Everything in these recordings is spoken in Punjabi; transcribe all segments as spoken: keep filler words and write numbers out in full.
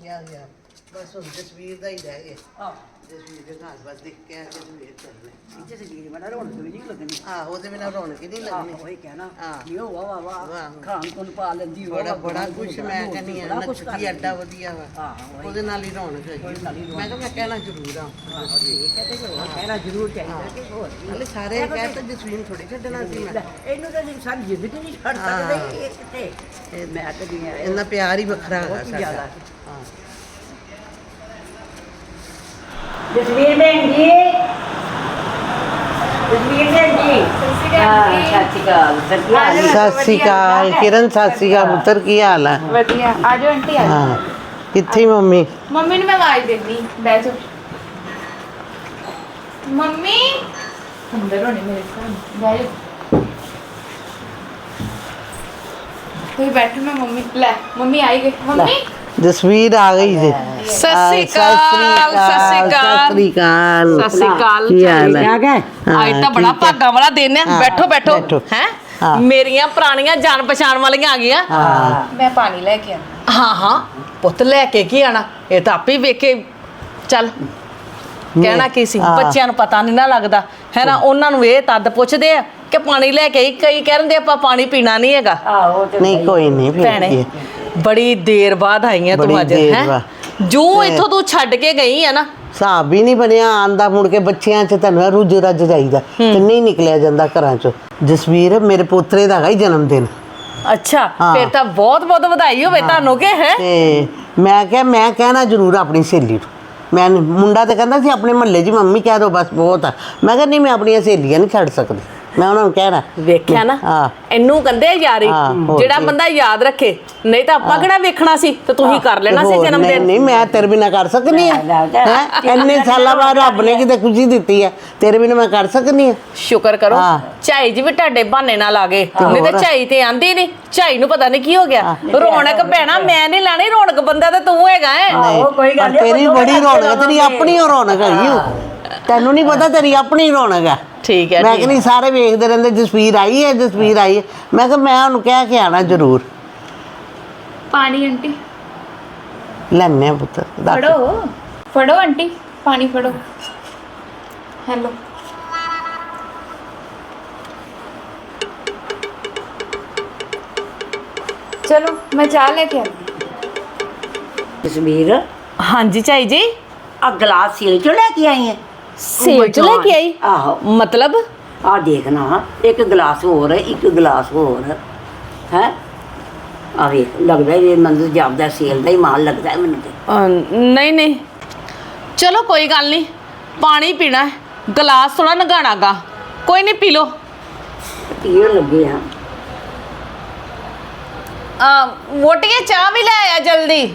ਗਿਆ ਗਿਆ ਬਸ ਹੁਣ ਜਸਵੀਰ ਦਾ ਹੀ ਰਹਿ ਗਿਆ। ਹਾਂ ਜਸਵੀਰ ਦੇ ਘਰ ਬਸ ਦੇਖ ਕੇ ਆ ਕੇ ਜਸਵੀਰ ਚੱਲਣਾ। ਇੱਥੇ ਜਸਵੀਰ ਬਣਾ ਰੌਣਕ ਵੀ ਨਹੀਂ ਲੱਗਣੀ। ਹਾਂ ਉਹਦੇ ਬਿਨਾਂ ਰੌਣਕ ਹੀ ਨਹੀਂ ਲੱਗਣੀ। ਉਹੀ ਕਹਿਣਾ ਹਾਂ ਵੀ ਉਹ ਵਾਹ ਵਾਹ ਵਾਹ ਖਾਣ ਕੋਲ ਪਾ ਲੈਂਦੀ ਬੜਾ ਬੜਾ ਕੁਛ ਮੈਂ ਕਹਿੰਦੀ ਆ ਨੱਚਦੀ ਐਡਾ ਵਧੀਆ ਵਾ ਉਹਦੇ ਨਾਲ ਹੀ ਰੌਣਕ ਹੈਗੀ। ਮੈਂ ਕਿਹਾ ਮੈਂ ਕਹਿਣਾ ਜ਼ਰੂਰ ਆ ਕਹਿਣਾ ਜ਼ਰੂਰ ਚਾਹੀਦਾ ਕਿ ਹੋਰ ਹਲੇ ਸਾਰੇ ਕਹਿ ਤਾਂ ਜਸਵੀਰ ਥੋੜੀ ਛੱਡਣਾ ਸੀ ਮੈਂ। ਇਹਨੂੰ ਤਾਂ ਸਾਰੀ ਜ਼ਿੰਦਗੀ ਨਹੀਂ ਛੱਡ ਸਕਦੇ ਇਹ ਕਿਤੇ ਇਹ ਮੈਂ ਤਾਂ ਨਹੀਂ ਇੰਨਾ ਪਿਆਰ ਹੀ ਵੱਖਰਾ ਹੈਗਾ ਸਾਡਾ। ਹਾਂ ਜਸਵੀਰ ਭੈਣ ਜੀ ਜਸਵੀਰ ਭੈਣ ਜੀ ਸਤਿ ਸ਼੍ਰੀ ਅਕਾਲ ਸਤਿ ਸ਼੍ਰੀ ਅਕਾਲ ਕਿਰਨ ਸਤਿ ਸ਼੍ਰੀ ਅਕਾਲ ਪੁੱਤਰ ਕੀ ਹਾਲ ਹੈ? ਵਧੀਆ ਆ ਜਾਓ ਆਂਟੀ ਆ ਹਾਂ ਕਿੱਥੇ ਮੰਮੀ? ਮੰਮੀ ਨੂੰ ਮੈਂ ਆਵਾਜ਼ ਦਿੰਦੀ ਬਹਿ ਜਾਓ। ਮੰਮੀ ਅੰਦਰ ਹੋਣੇ ਮੇਰੇ ਸਾਹਮਣੇ ਬਹਿ ਜਾਓ। ਤੁਸੀਂ ਬੈਠੋ ਮੈਂ ਮੰਮੀ ਲੈ ਮੰਮੀ ਆਈ ਗਈ। ਮੰਮੀ ਜਸਵੀਰ ਆ ਗਈ ਜੀ। ਸਤਿ ਸ਼੍ਰੀ ਅਕਾਲ ਸਤਿ ਸ਼੍ਰੀ ਅਕਾਲ ਸਤਿ ਸ਼੍ਰੀ ਅਕਾਲ ਸਤਿ ਸ਼੍ਰੀ ਅਕਾਲ। ਕੀ ਹਾਲ ਹੈ? ਆ ਗਏ ਅੱਜ ਤਾਂ ਬੜਾ ਭਾਗਾ ਵਾਲਾ ਦਿਨ ਹੈ। ਹਾਂ, ਬੈਠੋ ਬੈਠੋ ਬੈਠੋ। ਹੈ ਹਾਂ। ਮੇਰੀਆਂ ਪੁਰਾਣੀਆਂ ਜਾਣ ਪਛਾਣ ਵਾਲੀਆਂ ਆ ਗਈਆਂ। ਹਾਂ ਮੈਂ ਪਾਣੀ ਲੈ ਕੇ ਆਣਾ। ਹਾਂ ਹਾਂ ਪੁੱਤ ਲੈ ਕੇ ਕੀ ਆਣਾ ਇਹ ਤਾਂ ਆਪੇ ਵੇਖ ਕੇ ਚੱਲ ਕਹਿਣਾ ਕੀ ਸੀ ਹਾਂ। ਬੱਚਿਆਂ ਨੂੰ ਪਤਾ ਨਹੀਂ ਨਾ ਲੱਗਦਾ ਹੈ ਨਾ ਉਹਨਾਂ ਨੂੰ ਇਹ ਤਦ ਪੁੱਛਦੇ ਆ ਕਿ ਪਾਣੀ ਲੈ ਕੇ ਆਈ ਕਈ ਕਹਿੰਦੇ ਆਪਾਂ ਪਾਣੀ ਪੀਣਾ ਨਹੀਂ ਹੈਗਾ। ਆਹੋ ਤੇ ਨਹੀਂ ਕੋਈ ਨਹੀਂ ਫਿਰ ਭੈਣੇ ਕੀ। ਬੜੀ ਦੇਰ ਬਾਅਦ ਆਈਆਂ ਬੜੀ ਤੂੰ ਅੱਜ ਦੇਰ ਹੈ ਬਾਅਦ। ਜੋ ਇੱਥੋਂ ਤੂੰ ਛੱਡ ਕੇ ਗਈ ਆ ਨਾ ਹਿਸਾਬ ਵੀ ਨਹੀਂ ਬਣਿਆ ਆਂਦਾ ਮੁੜ ਕੇ ਬੱਚਿਆਂ 'ਚ ਤੈਨੂੰ ਰੁੱਝ ਰੱਜ ਜਾਈਦਾ ਤੇ ਨਹੀਂ ਨਿਕਲਿਆ ਜਾਂਦਾ ਘਰਾਂ 'ਚੋਂ। ਜਸਵੀਰ ਮੇਰੇ ਪੋਤਰੇ ਦਾ ਹੈਗਾ ਹੀ ਜਨਮ ਦਿਨ ਅੱਛਾ ਹਾਂ। ਫਿਰ ਤਾਂ ਬਹੁਤ ਬਹੁਤ ਵਧਾਈ ਹੋਵੇ ਤੁਹਾਨੂੰ ਕਿ ਹੈ ਤੇ ਮੈਂ ਕਿਹਾ ਮੈਂ ਕਹਿਣਾ ਜ਼ਰੂਰ ਆਪਣੀ ਸਹੇਲੀ ਨੂੰ। ਮੈਂ ਮੁੰਡਾ ਤੇ ਕਹਿੰਦਾ ਸੀ ਆਪਣੇ ਮਹੱਲੇ 'ਚ ਮੰਮੀ ਕਹਿ ਦੋ ਬਸ ਬਹੁਤ ਆ। ਮੈਂ ਕਿਹਾ ਨਹੀਂ ਮੈਂ ਆਪਣੀਆਂ ਸਹੇਲੀਆਂ ਨਹੀਂ ਛੱਡ ਸਕਦੀ ਮੈਂ ਉਹਨਾਂ ਨੂੰ ਕਹਿਣਾ। ਵੇਖਿਆ ਨਾ ਹਾਂ ਇਹਨੂੰ ਕਹਿੰਦੇ ਆ ਯਾਰੀ ਹਾਂ, ਹੋਰ ਜਿਹੜਾ ਕੀ। ਬੰਦਾ ਯਾਦ ਰੱਖੇ ਨਹੀਂ ਤਾਂ ਆਪਾਂ ਕਿਹੜਾ ਵੇਖਣਾ ਸੀ ਤੇ ਤੁਸੀਂ ਕਰ ਲੈਣਾ ਸੀ ਹੋਰ ਜਨਮ ਨਹੀਂ ਦਿਨ। ਨਹੀਂ ਮੈਂ ਤੇਰੇ ਬਿਨਾ ਕਰ ਸਕਨੀ ਆ ਹੈ ਇੰਨੇ ਸਾਲਾਂ ਬਾਅਦ ਰੱਬ ਨੇ ਕਿਤੇ ਖੁਸ਼ੀ ਦਿੱਤੀ ਹੈ ਤੇਰੇ ਬਿਨਾ ਮੈਂ ਕਰ ਸਕਨੀ ਆ। ਸ਼ੁਕਰ ਕਰੋ ਹਾਂ। ਝਾਈ ਜੀ ਵੀ ਤੁਹਾਡੇ ਬਹਾਨੇ ਨਾਲ ਆ ਗਏ ਨਹੀਂ ਤੇ ਝਾਈ ਤੇ ਆਂਦੀ ਨਹੀਂ। ਝਾਈ ਨੂੰ ਪਤਾ ਨਹੀਂ ਕੀ ਹੋ ਗਿਆ ਰੌਣਕ ਭੈਣਾ ਮੈਂ ਨਹੀਂ ਲੈਣੀ ਰੌਣਕ ਬੰਦਾ ਤਾਂ ਤੂੰ ਹੈਗਾ ਹੈ। ਆਹੋ ਕੋਈ ਗੱਲ ਪਰ ਤੇਰੀ ਬੜੀ ਰੌਣਕ ਹੈ ਤੇਰੀ ਆਪਣੀ ਓ ਰੌਣਕ ਹੈਗੀ ਓ। ਤੈਨੂੰ ਨਹੀਂ ਪਤਾ ਤੇਰੀ ਆਪਣੀ ਰੌਣਕ ਹੈ। ਠੀਕ ਹੈ ਮੈਂ ਠੀਕ ਕਹਿੰਦੀ ਸਾਰੇ ਵੇਖਦੇ ਰਹਿੰਦੇ ਜਸਵੀਰ ਆਈ ਹੈ ਜਸਵੀਰ ਆਈ ਹੈ ਮੈਂ ਕਿਹਾ ਮੈਂ ਉਹਨੂੰ ਕਹਿ ਕੇ ਆਣਾ ਜ਼ਰੂਰ। ਪਾਣੀ ਆਂਟੀ ਲੈਣੇ ਆ ਪੁੱਤਰ ਦੱਸ। ਫੜੋ ਫੜੋ ਆਂਟੀ ਪਾਣੀ ਫੜੋ। ਹੈਲੋ ਚਲੋ ਮੈਂ ਚਾਹ ਲੈ ਕੇ ਆਉਂਦੀ। ਜਸਵੀਰ ਹਾਂਜੀ ਝਾਈ ਜੀ ਆ ਗਲਾਸ ਸੇਲ ਚੋਂ ਲੈ ਕੇ ਆਈ ਹੈ ਸੇਬ ਚ ਲੈ ਕੇ ਆਈ ਆਹੋ ਮਤਲਬ ਆ ਦੇਖਣਾ ਇੱਕ ਗਲਾਸ ਹੋਰ ਇੱਕ ਗਲਾਸ ਹੋਰ ਹੈ ਆ ਵੇਖ ਲੱਗਦਾ ਇਹ ਮੰਦਰ ਜਾਪਦਾ ਸੇਲ ਦਾ ਹੀ ਮਾਲ ਲੱਗਦਾ ਹੈ ਮੈਨੂੰ ਤੇ ਅਹ, ਨਹੀਂ ਨਹੀਂ ਚਲੋ ਕੋਈ ਗੱਲ ਨਹੀਂ ਪਾਣੀ ਪੀਣਾ ਹੈ ਗਲਾਸ ਥੋੜਾ ਨਗਾਣਾਗਾ ਕੋਈ ਨਹੀਂ ਪੀ ਲੋ। ਪੀਣ ਲੱਗੇ ਆ ਵੋਟੀਏ ਚਾਹ ਵੀ ਲੈ ਆਇਆ ਜਲਦੀ।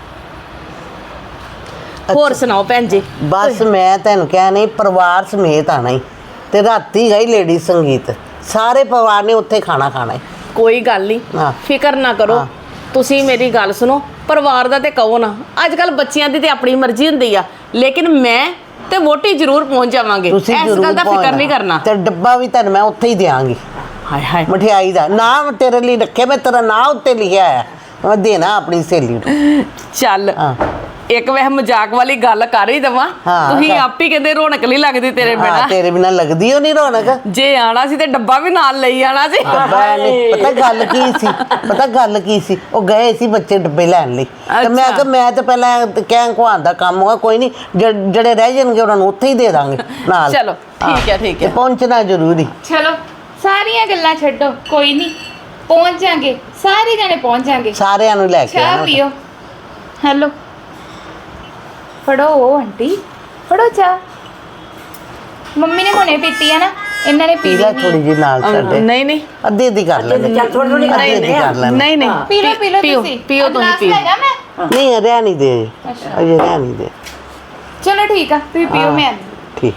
ਹੋਰ ਸੁਣਾਓ ਭੈਣ ਜੀ। ਬਸ ਮੈਂ ਤੈਨੂੰ ਕਿਹਾ ਨਹੀਂ ਪਰਿਵਾਰ ਸਮੇਤ ਆਣਾ ਹੀ ਤੇ ਰਾਤੀ ਗਈ ਲੇਡੀ ਸੰਗੀਤ ਸਾਰੇ ਪਰਿਵਾਰ ਨੇ ਉੱਥੇ ਖਾਣਾ ਖਾਣਾ ਹੈ। ਕੋਈ ਗੱਲ ਨਹੀਂ ਹਾਂ। ਫਿਕਰ ਨਾ ਕਰੋ ਹਾਂ। ਤੁਸੀਂ ਮੇਰੀ ਗੱਲ ਸੁਣੋ ਪਰਿਵਾਰ ਦਾ ਤੇ ਕਹੋ ਨਾ ਅੱਜ ਕੱਲ ਬੱਚਿਆਂ ਦੀ ਤੇ ਆਪਣੀ ਮਰਜ਼ੀ ਹੁੰਦੀ ਆ ਲੇਕਿਨ ਮੈਂ ਤੇ ਵੋਟੀ ਜ਼ਰੂਰ ਪਹੁੰਚ ਜਾਵਾਂਗੇ ਤੁਸੀਂ ਇਸ ਜ਼ਰੂਰ ਗੱਲ ਦਾ ਫਿਕਰ ਪਹੁੰਚਣਾ। ਨਹੀਂ ਕਰਨਾ। ਤੇ ਡੱਬਾ ਵੀ ਤੈਨੂੰ ਮੈਂ ਉੱਥੇ ਹੀ ਦਿਆਂਗੀ ਹਾਏ ਹਾਏ ਮਠਿਆਈ ਦਾ ਨਾਮ ਤੇਰੇ ਲਈ ਰੱਖਿਆ ਮੈਂ ਤੇਰਾ ਨਾਂ ਉੱਤੇ ਲਿਖਿਆ ਹੈ ਮੈਂ ਦੇਣਾ ਆਪਣੀ ਸਹੇਲੀ ਨੂੰ। ਚੱਲ ਹਾਂ ਇੱਕ ਵੈਸੇ ਮਜ਼ਾਕ ਵਾਲੀ ਗੱਲ ਕਰ ਹੀ ਦਵਾਂ ਹਾਂ। ਤੁਸੀਂ ਆਪ ਹੀ ਕਹਿੰਦੇ ਰੌਣਕ ਨਹੀਂ ਲੱਗਦੀ ਤੇਰੇ ਹਾਂ ਬਿਨਾ ਤੇਰੇ ਬਿਨਾਂ ਲੱਗਦੀ ਓ ਨਹੀਂ ਰੌਣਕ। ਜੇ ਆਣਾ ਸੀ ਤੇ ਡੱਬਾ ਵੀ ਨਾਲ ਲਈ ਆਣਾ ਸੀ। ਡੱਬਾ ਨਹੀਂ ਪਤਾ ਗੱਲ ਕੀ ਸੀ ਪਤਾ ਗੱਲ ਕੀ ਸੀ ਉਹ ਗਏ ਸੀ ਬੱਚੇ ਡੱਬੇ ਲੈਣ ਲਈ ਤੇ ਮੈਂ ਕਿਹਾ ਮੈਂ ਤਾਂ ਪਹਿਲਾਂ ਕਹਿਣ ਕੁਹਾਣ ਦਾ ਕੰਮ ਹੋਗਾ ਕੋਈ ਨਹੀਂ ਜਿਹੜੇ ਰਹਿ ਜਾਣਗੇ ਉਹਨਾਂ ਨੂੰ ਉੱਥੇ ਹੀ ਦੇ ਦਾਂਗੇ ਨਾਲ। ਚਲੋ ਠੀਕ ਹੈ ਠੀਕ ਤੇ ਹੈ ਪਹੁੰਚਣਾ ਜ਼ਰੂਰੀ। ਚਲੋ ਸਾਰੀਆਂ ਗੱਲਾਂ ਛੱਡੋ ਕੋਈ ਨਹੀਂ ਪਹੁੰਚ ਜਾਾਂਗੇ ਸਾਰੇ ਜਣੇ ਪਹੁੰਚ ਜਾਾਂਗੇ। ਸਾਰਿਆਂ ਨੂੰ ਲੈ ਕੇ ਚਾਹ ਆਉਣਾ। ਪੀਓ। ਹੈਲੋ ਫੜੋ ਉਹ ਆਂਟੀ ਫੜੋ ਚਾਹ ਮੰਮੀ ਨੇ ਹੁਣੇ ਪੀਤੀ ਹੈ ਨਾ ਇਹਨਾਂ ਨੇ ਪੀ ਪੀ ਲੈ ਲਈ ਥੋੜੀ ਜਿਹੀ ਨਾਲ ਸਾਡੇ ਨਹੀਂ ਨਹੀਂ ਅੱਧੀ ਅੱਧੀ ਕਰ ਲੈਂਦੇ ਚੱਲ ਥੋੜੀ ਥੋੜੀ ਅੱਧੀ ਅੱਧੀ ਕਰ ਲੈਂਦੇ ਨਹੀਂ ਨਹੀਂ ਪੀ ਲਓ ਪੀ ਲਓ ਪੀਓ ਤੁਸੀਂ ਪੀਓ ਤੁਸੀਂ ਗਲਾਸ ਪੀਓ ਲੈਗਾ ਮੈਂ ਨਹੀਂ ਰਹਿ ਨਹੀਂ ਦੇ ਅਜੇ ਰਹਿ ਨਹੀਂ ਦੇ ਚਲੋ ਠੀਕ ਆ ਤੁਸੀਂ ਪੀਓ ਮੈਂ ਆਉਂਦੀ। ਠੀਕ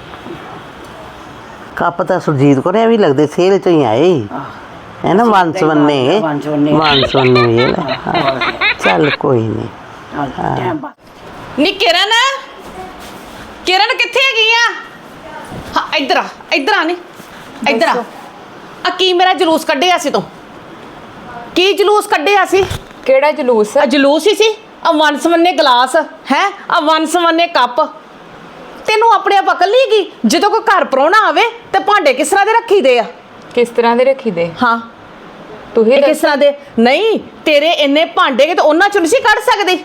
ਕੱਪ ਤਾਂ ਸੁਰਜੀਤ ਕੋਲ ਵੀ ਲੱਗਦੇ ਸੇਲ ਚੋਂ ਹੀ ਆਏ ਹੈ ਨਾ ਵੰਸਵੰਨੇ ਵੰਸਵੰਨੇ। ਵੰਸਵੰਨੇ ਵੀ ਲੈ ਹਾਂ। ਚੱਲ ਕੋਈ ਨਹੀਂ ਟਾਈਮ ਪਾ ਨੀ ਕਿਰਨ ਕਿਰਨ ਕਿੱਥੇ ਹੈਗੀ ਆ ਹਾਂ ਇੱਧਰ ਆ ਇੱਧਰ ਆ ਨੀ ਇੱਧਰ ਆ ਆ ਕੀ ਮੇਰਾ ਜਲੂਸ ਕੱਢਿਆ ਸੀ ਤੂੰ ਕੀ ਜਲੂਸ ਕੱਢਿਆ ਸੀ ਕਿਹੜਾ ਜਲੂਸ ਆ ਜਲੂਸ ਹੀ ਸੀ ਆ ਵਨਸਵੰਨੇ ਗਲਾਸ ਹੈ, ਆ ਵਨਸਵੰਨੇ ਕੱਪ। ਤੈਨੂੰ ਆਪਣੇ ਆਪ ਅਕਲ ਨਹੀਂ ਹੈਗੀ? ਜਦੋਂ ਕੋਈ ਘਰ ਪ੍ਰਾਹੁਣਾ ਆਵੇ ਤੇ ਭਾਂਡੇ ਕਿਸ ਤਰ੍ਹਾਂ ਦੇ ਰੱਖੀਦੇ ਆ? ਕਿਸ ਤਰ੍ਹਾਂ ਦੇ ਰੱਖੀਦੇ? ਹਾਂ ਤੂੰ ਹੀ ਇਹ ਕਿਸ ਤਰ੍ਹਾਂ ਦੇ? ਨਹੀਂ ਤੇਰੇ ਇੰਨੇ ਭਾਂਡੇ ਕਿ ਤੇ ਉਹਨਾਂ ਚੋਂ ਨਹੀਂ ਸੀ ਕੱਢ ਸਕਦੀ?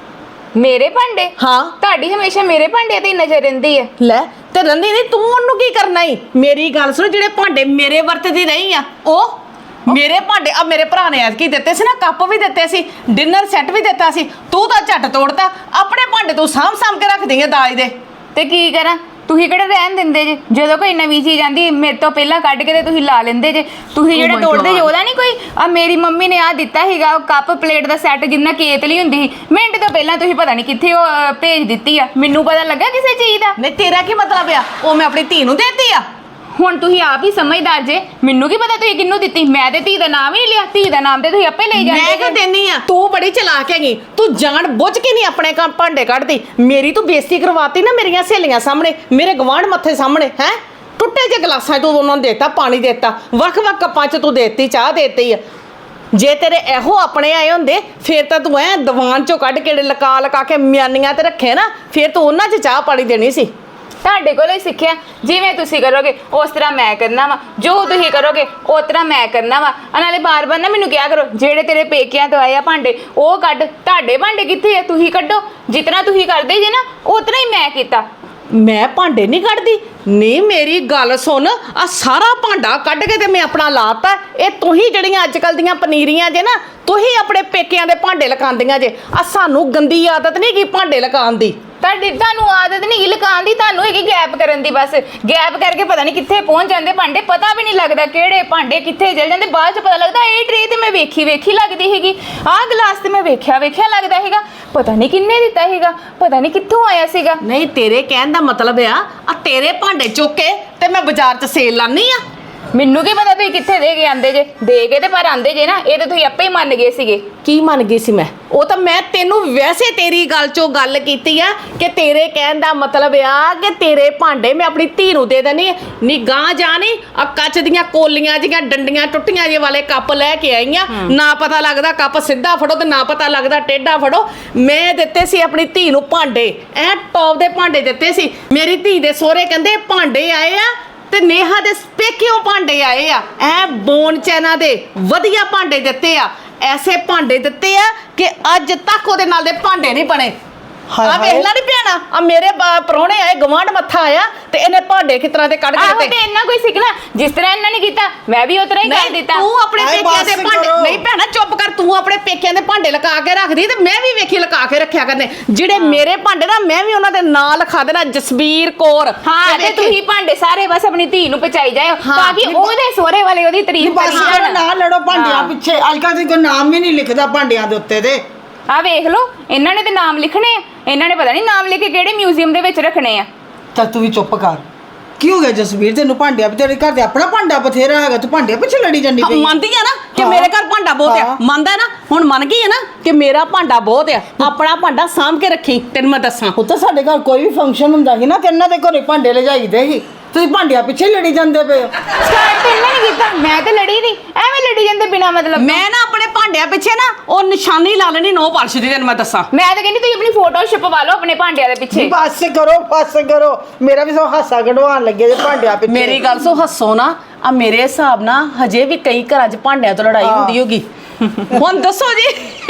ਮੇਰੇ ਭਾਂਡੇ? ਹਾਂ ਤੁਹਾਡੀ ਹਮੇਸ਼ਾ ਮੇਰੇ ਭਾਂਡਿਆਂ ਤੇ ਹੀ ਨਜ਼ਰ ਰਹਿੰਦੀ ਹੈ। ਲੈ ਤੇ ਰੰਦੀ ਨਹੀਂ, ਤੂੰ ਉਹਨੂੰ ਕੀ ਕਰਨਾ ਈ? ਮੇਰੀ ਗੱਲ ਸੁਣ, ਜਿਹੜੇ ਭਾਂਡੇ ਮੇਰੇ ਵਰਤਦੀ ਰਹੀ ਆ ਉਹ ਮੇਰੇ ਭਾਂਡੇ ਆ ਮੇਰੇ ਭਰਾ ਨੇ ਐਤਕੀ ਦਿੱਤੇ ਸੀ ਨਾ, ਕੱਪ ਵੀ ਦਿੱਤੇ ਸੀ, ਡਿਨਰ ਸੈੱਟ ਵੀ ਦਿੱਤਾ ਸੀ, ਤੂੰ ਤਾਂ ਝੱਟ ਤੋੜਤਾ। ਆਪਣੇ ਭਾਂਡੇ ਤੂੰ ਸਾਂਭ ਸਾਂਭ ਕੇ ਰੱਖਦੀ ਆ ਦਾਜ ਦੇ। ਤੇ ਕੀ ਕਰਾਂ? ਤੁਸੀਂ ਕਿਹੜੇ ਰਹਿਣ ਦਿੰਦੇ ਜੇ? ਜਦੋਂ ਕੋਈ ਨਵੀਂ ਚੀਜ਼ ਆਂਦੀ ਮੇਰੇ ਤੋਂ ਪਹਿਲਾਂ ਕੱਢ ਕੇ ਤੇ ਤੁਸੀਂ ਲਾ ਲੈਂਦੇ ਜੇ। ਤੁਸੀਂ ਜਿਹੜਾ ਤੋੜਦੇ ਜੇ ਉਹਦਾ ਨਹੀਂ ਕੋਈ। ਆ ਮੇਰੀ ਮੰਮੀ ਨੇ ਆ ਦਿੱਤਾ ਸੀਗਾ ਕੱਪ ਪਲੇਟ ਦਾ ਸੈੱਟ ਜਿੰਨਾ ਕੇਤਲੀ ਹੁੰਦੀ ਸੀ, ਮਿੰਟ ਤੋਂ ਪਹਿਲਾਂ ਤੁਸੀਂ ਪਤਾ ਨਹੀਂ ਕਿੱਥੇ ਉਹ ਅਹ, ਭੇਜ ਦਿੱਤੀ ਆ। ਮੈਨੂੰ ਪਤਾ ਲੱਗਾ ਕਿਸੇ ਚੀਜ਼ ਦਾ। ਨਹੀਂ ਤੇਰਾ ਕੀ ਮਤਲਬ ਆ? ਉਹ ਮੈਂ ਆਪਣੀ ਧੀ ਨੂੰ ਦੇਤੀ ਆ? ਹੁਣ ਤੁਸੀਂ ਆਪ ਹੀ ਸਮਝਦਾਰ ਜੇ, ਮੈਨੂੰ ਕੀ ਪਤਾ ਤੁਸੀਂ ਕਿਹਨੂੰ ਦਿੱਤੀ। ਮੈਂ ਤੇ ਧੀ ਦਾ ਨਾਮ ਹੀ ਨਹੀਂ ਲਿਆ, ਧੀ ਦਾ ਨਾਮ ਤੇ ਤੁਸੀਂ ਆਪੇ ਲਈ ਜਾਂਦੇ ਮੈਂ ਕਿਉਂ ਦੇਣੀ ਆ? ਤੂੰ ਬੜੀ ਚਲਾਕ ਹੈਗੀ, ਤੂੰ ਜਾਣ ਬੁੱਝ ਕੇ ਨਹੀਂ ਆਪਣੇ ਕੰਮ ਭਾਂਡੇ ਕੱਢਦੀ। ਮੇਰੀ ਤੂੰ ਬੇਇੱਜ਼ਤੀ ਕਰਵਾਤੀ ਨਾ ਮੇਰੀਆਂ ਸਹੇਲੀਆਂ ਸਾਹਮਣੇ, ਮੇਰੇ ਗਵਾਂਢ ਮੱਥੇ ਸਾਹਮਣੇ। ਹੈ ਟੁੱਟੇ ਜੇ ਗਲਾਸਾਂ 'ਚ ਤੂੰ ਉਹਨਾਂ ਨੂੰ ਦੇਤਾ ਪਾਣੀ, ਦੇਤਾ ਵੱਖ-ਵੱਖ ਕੱਪਾਂ 'ਚ ਤੂੰ ਦੇਤੀ ਚਾਹ ਦੇਤੀ ਆ। ਜੇ ਤੇਰੇ ਇਹੋ ਆਪਣੇ ਆਏ ਹੁੰਦੇ ਫਿਰ ਤਾਂ ਤੂੰ ਐ ਦੀਵਾਨ 'ਚੋਂ ਕੱਢ ਕੇ ਲਕਾ ਲਕਾ ਕੇ ਮਿਆਨੀਆਂ ਤੇ ਰੱਖੇ ਨਾ, ਫਿਰ ਤੂੰ ਉਹਨਾਂ 'ਚ ਚਾਹ ਪਾਣੀ ਦੇਣੀ ਸੀ। ਤੁਹਾਡੇ ਕੋਲੋਂ ਹੀ ਸਿੱਖਿਆ। ਜਿਵੇਂ ਤੁਸੀਂ ਕਰੋਗੇ ਉਸ ਤਰ੍ਹਾਂ ਮੈਂ ਕਰਨਾ ਵਾ, ਜੋ ਤੁਸੀਂ ਕਰੋਗੇ ਉਸ ਤਰ੍ਹਾਂ ਮੈਂ ਕਰਨਾ ਵਾ। ਆ ਨਾਲੇ ਬਾਰ-ਬਾਰ ਨਾ ਮੈਨੂੰ ਕਿਹਾ ਕਰੋ ਜਿਹੜੇ ਤੇਰੇ ਪੇਕਿਆਂ ਤੋਂ ਆਏ ਆ ਭਾਂਡੇ ਉਹ ਕੱਢ। ਤੁਹਾਡੇ ਭਾਂਡੇ ਕਿੱਥੇ ਆ? ਤੁਸੀਂ ਕੱਢੋ। ਜਿਤਨਾ ਤੁਸੀਂ ਕਰਦੇ ਜੇ ਨਾ ਉਤਨਾ ਹੀ ਮੈਂ ਕੀਤਾ। ਮੈਂ ਭਾਂਡੇ ਨਹੀਂ ਕੱਢਦੀ? ਨਹੀਂ ਮੇਰੀ ਗੱਲ ਸੁਣ, ਆ ਸਾਰਾ ਭਾਂਡਾ ਕੱਢ ਕੇ ਤੇ ਮੈਂ ਆਪਣਾ ਲਾਤਾ। ਇਹ ਤੁਸੀਂ ਜਿਹੜੀਆਂ ਅੱਜ ਕੱਲ ਦੀਆਂ ਪਨੀਰੀਆਂ ਜੇ ਨਾ, ਤੁਸੀਂ ਆਪਣੇ ਪੇਕਿਆਂ ਦੇ ਭਾਂਡੇ ਲਕਾਉਂਦੀਆਂ ਜੇ। ਆ ਸਾਨੂੰ ਗੰਦੀ ਆਦਤ ਨਹੀਂ ਕੀ ਭਾਂਡੇ ਲਕਾਉਣ ਦੀ। ਤੁਹਾਡੀ ਤੁਹਾਨੂੰ ਆਦਤ ਨਹੀਂ ਲਕਾਉਣ ਦੀ, ਤੁਹਾਨੂੰ ਹੈਗੀ ਗੈਪ ਕਰਨ ਦੀ। ਬਸ ਗੈਪ ਕਰਕੇ ਪਤਾ ਨਹੀਂ ਕਿੱਥੇ ਪਹੁੰਚ ਜਾਂਦੇ ਭਾਂਡੇ, ਪਤਾ ਵੀ ਨਹੀਂ ਲੱਗਦਾ ਕਿਹੜੇ ਭਾਂਡੇ ਕਿੱਥੇ ਚਲ ਜਾਂਦੇ। ਬਾਅਦ ਚ ਪਤਾ ਲੱਗਦਾ ਇਹ ਟਰੇ ਤੇ ਮੈਂ ਵੇਖੀ ਵੇਖੀ ਲੱਗਦੀ ਹੈਗੀ, ਆਹ ਗਲਾਸ ਤੇ ਮੈਂ ਵੇਖਿਆ ਵੇਖਿਆ ਲੱਗਦਾ ਹੈਗਾ, ਪਤਾ ਨਹੀਂ ਕਿੰਨੇ ਦਿੱਤਾ ਹੈਗਾ, ਪਤਾ ਨਹੀਂ ਕਿੱਥੋਂ ਆਇਆ ਸੀਗਾ। ਨਹੀਂ ਤੇਰੇ ਕਹਿਣ ਦਾ ਮਤਲਬ ਆ ਆ ਤੇਰੇ ਭਾਂਡੇ ਚੁੱਕ ਕੇ ਤੇ ਮੈਂ ਬਾਜ਼ਾਰ 'ਚ ਸੇਲ ਲਾਨੀ ਆ? ਮੈਨੂੰ ਕੀ ਪਤਾ ਤੁਸੀਂ ਕਿੱਥੇ ਦੇ ਕੇ ਆਂਦੇ ਜੇ। ਦੇ ਕੇ ਤੇ ਪਰ ਆਂਦੇ ਜੇ ਨਾ, ਇਹ ਤੇ ਤੁਸੀਂ ਆਪੇ ਹੀ ਮੰਨ ਗਏ ਸੀਗੇ। ਕੀ ਮੰਨ ਗਈ ਸੀ ਮੈਂ? ਉਹ ਤਾਂ ਮੈਂ ਤੈਨੂੰ ਵੈਸੇ ਤੇਰੀ ਗੱਲ 'ਚੋਂ ਗੱਲ ਕੀਤੀ ਆ ਕਿ ਤੇਰੇ ਕਹਿਣ ਦਾ ਮਤਲਬ ਆ ਕਿ ਤੇਰੇ ਭਾਂਡੇ ਮੈਂ ਆਪਣੀ ਧੀ ਨੂੰ ਦੇ ਦੇਣੀ ਆ। ਨੀ ਗਾਂ ਜਾਣੀ ਆ ਕੱਚ ਦੀਆਂ ਕੋਲੀਆਂ ਜੀਆਂ ਡੰਡੀਆਂ ਟੁੱਟੀਆਂ ਜੇ ਵਾਲੇ ਕੱਪ ਲੈ ਕੇ ਆਈਆਂ, ਨਾ ਪਤਾ ਲੱਗਦਾ ਕੱਪ ਸਿੱਧਾ ਫੜੋ ਤੇ ਨਾ ਪਤਾ ਲੱਗਦਾ ਟੇਢਾ ਫੜੋ। ਮੈਂ ਦਿੱਤੇ ਸੀ ਆਪਣੀ ਧੀ ਨੂੰ ਭਾਂਡੇ, ਐ ਟੌਪ ਦੇ ਭਾਂਡੇ ਦਿੱਤੇ ਸੀ। ਮੇਰੀ ਧੀ ਦੇ ਸਹੁਰੇ ਕਹਿੰਦੇ ਭਾਂਡੇ ਆਏ ਆ ਤੇ ਨੇਹਾ ਦੇ ਪੇਕਿਓਂ ਭਾਂਡੇ ਆਏ ਆ, ਐ ਬੋਨ ਚੈਨਾ ਦੇ ਵਧੀਆ ਭਾਂਡੇ ਦਿੱਤੇ ਆ। ਐਸੇ ਭਾਂਡੇ ਦਿੱਤੇ ਆ ਕਿ ਅੱਜ ਤੱਕ ਉਹਦੇ ਨਾਲ ਦੇ ਭਾਂਡੇ ਨਹੀਂ ਬਣੇ। ਹਾਏ ਆ ਵੇਖ ਲੈ ਨੀ ਭੈਣਾ, ਆ ਮੇਰੇ ਪ੍ਰਾਹੁਣੇ ਆਏ, ਗਵਾਂਢ ਮੱਥਾ ਆਇਆ ਤੇ ਇਹਨੇ ਭਾਂਡੇ ਕਿਸ ਤਰ੍ਹਾਂ ਦੇ ਕੱਢ ਕੇ ਆਹੋ ਦਿੱਤੇ। ਤੇ ਇੰਨਾ ਕੋਈ ਸਿੱਖਣਾ ਜਿਸ ਤਰ੍ਹਾਂ ਇਹਨਾਂ ਨੇ ਕੀਤਾ ਮੈਂ ਵੀ ਉਸ ਤਰ੍ਹਾਂ ਹੀ ਕਰ ਦਿੱਤਾ। ਤੂੰ ਆਪਣੇ ਹਾਏ ਪੇਕਿਆਂ ਦੇ ਬਸ ਭਾਂਡੇ ਕਰੋ। ਨਹੀਂ ਭੈਣਾ ਚੁੱਪ ਕਰ, ਤੂੰ ਆਪਣੇ ਪੇਕਿਆਂ ਦੇ ਭਾਂਡੇ ਲਗਾ ਕੇ ਰੱਖਦੀ ਤੇ ਮੈਂ ਵੀ ਵੇਖੀ ਲਗਾ ਕੇ ਰੱਖਿਆ ਕਰਨੇ। ਜਿਹੜੇ ਮੇਰੇ ਭਾਂਡੇ ਨਾ ਮੈਂ ਵੀ ਉਹਨਾਂ ਦੇ ਨਾਂ ਲਿਖਾ ਦੇਣਾ, ਜਸਬੀਰ ਕੌਰ। ਹਾਂ ਤੇ ਵੇਖੀ- ਤੁਸੀਂ ਭਾਂਡੇ ਸਾਰੇ ਬਸ ਆਪਣੀ ਧੀ ਨੂੰ ਪਹੁੰਚਾਈ ਜਾਓ ਹਾਂ, ਤਾਂ ਕਿ ਉਹਦੇ ਸਹੁਰੇ ਵਾਲੇ ਉਹਦੀ ਤਾਰੀਫ ਬਸ ਕਰੀ ਕਰੋ, ਜਾਣ। ਨਾ ਲੜੋ ਭਾਂਡਿਆਂ ਹਾਂ। ਪਿੱਛੇ। ਅੱਜ ਕੱਲ੍ਹ ਤੇ ਕੋਈ ਨਾਮ ਵੀ ਨਹੀਂ ਲਿਖਦਾ ਭਾਂਡਿਆਂ ਦੇ ਉੱਤੇ ਤੇ। ਆ ਵੇਖ ਲਓ ਇਹਨਾਂ ਨੇ ਤੇ ਨਾਮ ਲਿਖਣੇ ਆ, ਇਹਨਾਂ ਨੇ ਪਤਾ ਨਹੀਂ ਨਾਮ ਲਿਖ ਕੇ ਕਿਹੜੇ ਮਿਊਜ਼ੀਅਮ ਦੇ ਵਿੱਚ ਰੱਖਣੇ ਆ। ਚੱਲ ਤੂੰ ਵੀ ਚੁੱਪ ਕਰ। ਕੀ ਹੋ ਗਿਆ ਜਸਵੀਰ, ਤੈਨੂੰ ਭਾਂਡਿਆਂ ਪਿੱਛੇ? ਤੇਰੇ ਘਰ ਤੇ ਆਪਣਾ ਭਾਂਡਾ ਬਥੇਰਾ ਹੈਗਾ, ਤੂੰ ਭਾਂਡਿਆਂ ਪਿੱਛੇ ਲੜੀ ਜਾਂਦੀ ਹਾਂ, ਪਈ। ਮੰਨਦੀ ਆ ਨਾ ਕਿ ਹਾਂ। ਮੇਰੇ ਘਰ ਭਾਂਡਾ ਬਹੁਤ ਆ, ਹਾਂ। ਮੰਨਦਾ ਨਾ ਹੁਣ, ਮੰਨ ਗਈ ਆ ਨਾ ਕਿ ਮੇਰਾ ਭਾਂਡਾ ਬਹੁਤ ਆ। ਆਪਣਾ ਭਾਂਡਾ ਸਾਂਭ ਕੇ ਰੱਖੀ, ਤੈਨੂੰ ਮੈਂ ਦੱਸਾਂ। ਉੱਥੇ ਸਾਡੇ ਘਰ ਕੋਈ ਵੀ ਫੰਕਸ਼ਨ ਹੁੰਦਾ ਸੀ ਨਾ ਤੇ ਇਹਨਾਂ ਦੇ ਘਰੇ ਭਾਂਡੇ ਲਿਜਾਈਦੇ ਸੀ, ਤੁਸੀਂ ਭਾਂਡਿਆਂ ਪਿੱਛੇ ਲੜੀ ਜਾਂਦੇ ਪਏ ਹੋ। ਸਟਾਰਟ ਤੇ ਇਹਨਾਂ ਨੇ ਕੀਤਾ, ਮੈਂ ਤੇ ਲੜੀ ਨਹੀਂ, ਐਵੇਂ ਲੜੀ ਜਾਂਦੇ ਬਿਨਾ ਮਤਲਬ ਤੋਂ। ਮੈਂ ਨਾ ਆਪਣੇ ਭਾਂਡਿਆਂ ਪਿੱਛੇ ਨਾ ਉਹ ਨਿਸ਼ਾਨੀ ਲਾ ਲੈਣੀ ਨੋ ਪਾਲਿਸ਼ ਦੀ, ਤੈਨੂੰ ਮੈਂ ਦੱਸਾਂ। ਮੈਂ ਤਾਂ ਕਹਿੰਦੀ ਤੁਸੀਂ ਆਪਣੀ ਫੋਟੋ ਛਪਵਾ ਲਓ ਆਪਣੇ ਭਾਂਡਿਆਂ ਦੇ ਪਿੱਛੇ। ਬਸ ਕਰੋ ਬਸ ਕਰੋ, ਮੇਰਾ ਵੀ ਸੋ ਹਾਸਾ ਕਢਵਾਉਣ ਲੱਗੇ ਜੇ ਭਾਂਡਿਆਂ ਪਿੱਛੇ। ਮੇਰੀ ਗੱਲ ਸੋ ਹੱਸੋ ਨਾ, ਆ ਮੇਰੇ ਹਿਸਾਬ ਨਾਲ ਹਜੇ ਵੀ ਕਈ ਘਰਾਂ 'ਚ ਭਾਂਡਿਆਂ ਤੋਂ ਲੜਾਈ ਹਾਂ। ਹੁੰਦੀ ਹੋਗੀ। ਹੁਣ ਦੱਸੋ ਜੀ।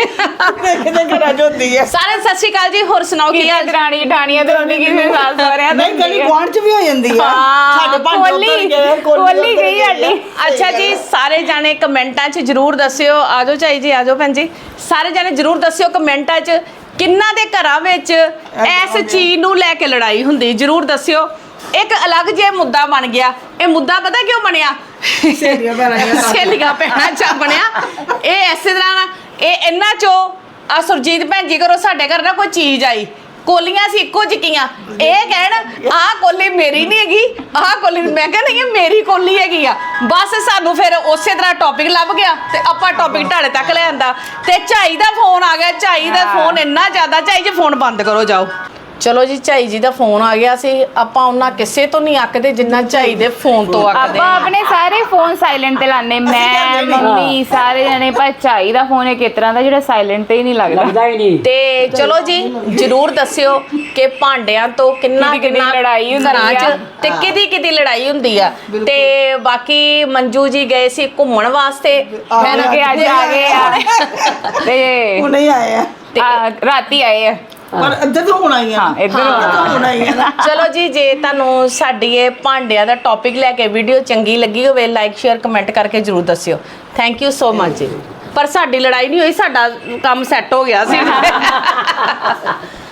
ਕਿਤੇ ਘਰਾਂ 'ਚ ਹੁੰਦੀ ਹੈ। ਸਾਰੇ ਸਤਿ ਸ਼੍ਰੀ ਅਕਾਲ ਜੀ, ਹੋਰ ਸੁਣਾਓ ਕੀ ਕੀ ਹਾਲ? ਦਰਾਣੀ ਠਾਣੀਆਂ ਤੇ ਉਹਦੀ ਕਿਸੇ ਸਾਲ ਸੋਰਿਆ ਨਹੀਂ ਗਲੀ ਗੁਆਂਢ 'ਚ ਵੀ ਹੋ ਜਾਂਦੀ ਹੈ। ਹਾਂ, ਸਾਡੇ ਭਾਂਡੇ ਉੱਧਰ ਕੋਲੀ ਗਏ, ਕੋਲੀ ਉੱਧਰ ਗਈ ਗਏ। ਸਾਡੀ। ਅੱਛਾ ਜੀ, ਸਾਰੇ ਜਾਣੇ ਕਮੈਂਟਾਂ 'ਚ ਜਰੂਰ ਦੱਸਿਓ। ਆਜੋ ਚਾਈ ਜੀ, ਆਜੋ ਭੈਣ ਜੀ। ਸਾਰੇ ਜਾਣੇ ਜਰੂਰ ਦੱਸਿਓ ਕਮੈਂਟਾਂ 'ਚ ਕਿੰਨਾਂ ਦੇ ਘਰਾਂ ਵਿੱਚ ਇਸ ਚੀਜ਼ ਨੂੰ ਲੈ ਕੇ ਲੜਾਈ ਹੁੰਦੀ, ਜਰੂਰ ਦੱਸਿਓ। ਇੱਕ ਅਲੱਗ ਜਿਹਾ ਮੁੱਦਾ ਬਣ ਗਿਆ। ਇਹ ਮੁੱਦਾ ਪਤਾ ਕਿਉਂ ਬਣਿਆ? ਸਹੇਲੀਆਂ ਭੈਣਾਂ ਦੀਆਂ ਸਾਥ। ਸਹੇਲੀਆਂ ਭੈਣਾਂ 'ਚ ਬਣਿਆ। ਇਹ ਇਸੇ ਤਰ੍ਹਾਂ ਨਾ, ਇਹ ਇਹਨਾਂ 'ਚੋਂ ਆ ਸੁਰਜੀਤ ਭੈਣ ਜੀ ਘਰੋਂ ਸਾਡੇ ਘਰ ਨਾ ਕੋਈ ਚੀਜ਼ ਆਈ, ਕੋਲੀਆਂ ਸੀ ਇੱਕੋ ਜਿਹੀਆਂ। ਇਹ ਕਹਿਣ ਆਹ ਕੋਲੀ ਮੇਰੀ ਨਹੀਂ ਹੈਗੀ, ਆਹ ਕੋਲੀ, ਮੈਂ ਕਿਹਾ ਨਹੀਂ ਇਹ ਮੇਰੀ ਕੋਲੀ ਹੈਗੀ ਆ। ਬਸ ਸਾਨੂੰ ਫਿਰ ਉਸੇ ਤਰ੍ਹਾਂ ਟੌਪਿਕ ਲੱਭ ਗਿਆ ਤੇ ਆਪਾਂ ਟੌਪਿਕ ਢਾੜੇ ਤੱਕ ਲੈ ਆਂਦਾ ਤੇ ਝਾਈ ਦਾ ਫੋਨ ਆ ਗਿਆ। ਝਾਈ ਦਾ ਫੋਨ ਇੰਨਾ ਜ਼ਿਆਦਾ, ਝਾਈ ਜੀ ਫੋਨ ਬੰਦ ਕਰੋ ਜਾਓ। ਚਲੋ ਜੀ ਝਾਈ ਜੀ ਦਾ ਫੋਨ ਆ ਗਿਆ ਸੀ ਆਪਾਂ ਉਹਨਾਂ ਕਿਸੇ ਤੋਂ ਨਹੀਂ ਅੱਕਦੇ ਜਿੰਨਾ ਝਾਈ ਦੇ ਫੋਨ ਤੋਂ ਅੱਕਦੇ ਆਪਾਂ ਆਪਣੇ ਸਾਰੇ ਫੋਨ ਸਾਇਲੈਂਟ ਤੇ ਲਾਣੇ ਮੈਂ ਮੰਮੀ ਸਾਰੇ ਜਣੇ ਪਰ ਝਾਈ ਦਾ ਫੋਨ ਇੱਕ ਇਸ ਤਰ੍ਹਾਂ ਦਾ ਜਿਹੜਾ ਸਾਇਲੈਂਟ ਤੇ ਹੀ ਨਹੀਂ ਲੱਗਦਾ ਲੱਗਦਾ ਹੀ ਨਹੀਂ। ਤੇ ਚਲੋ ਜੀ ਜਰੂਰ ਦੱਸਿਓ ਕਿ ਭਾਂਡਿਆਂ ਤੋਂ ਕਿੰਨਾ ਕਿਹਦੀ ਕਿਹਦੀ ਕਿੰਨਾ ਲੜਾਈ ਹੁੰਦੀ ਘਰਾਂ 'ਚ ਆ। ਤੇ ਕਿਹਦੀ ਕਿਹਦੀ ਲੜਾਈ ਹੁੰਦੀ ਆ ਤੇ ਬਾਕੀ ਮੰਜੂ ਜੀ ਗਏ ਸੀ ਘੁੰਮਣ ਵਾਸਤੇ ਮੈਂ ਕਿ ਅੱਜ ਆ ਗਏ ਆ ਤੇ ਉਹ ਨਹੀਂ ਆਏ ਆ ਆ, ਰਾਤੀ ਆਏ ਆ ਪਰ ਇੱਧਰ ਤਾਂ ਹੁਣ ਆਈ ਆ ਹਾਂ ਇੱਧਰ ਤਾਂ ਹੁਣ ਆਈ ਆ ਨਾ ਚਲੋ ਜੀ ਜੇ ਤੁਹਾਨੂੰ ਸਾਡੀ ਇਹ ਭਾਂਡਿਆਂ ਦਾ ਟੌਪਿਕ ਲੈ ਕੇ ਵੀਡੀਓ ਚੰਗੀ ਲੱਗੀ ਹੋਵੇ ਲਾਈਕ ਸ਼ੇਅਰ ਕਮੈਂਟ ਕਰਕੇ ਜਰੂਰ ਦੱਸਿਓ ਥੈਂਕ ਯੂ ਸੋ ਮਚ ਜੀ ਪਰ ਸਾਡੀ ਲੜਾਈ ਨਹੀਂ ਹੋਈ ਸਾਡਾ ਕੰਮ ਸੈੱਟ ਹੋ ਗਿਆ ਸੀ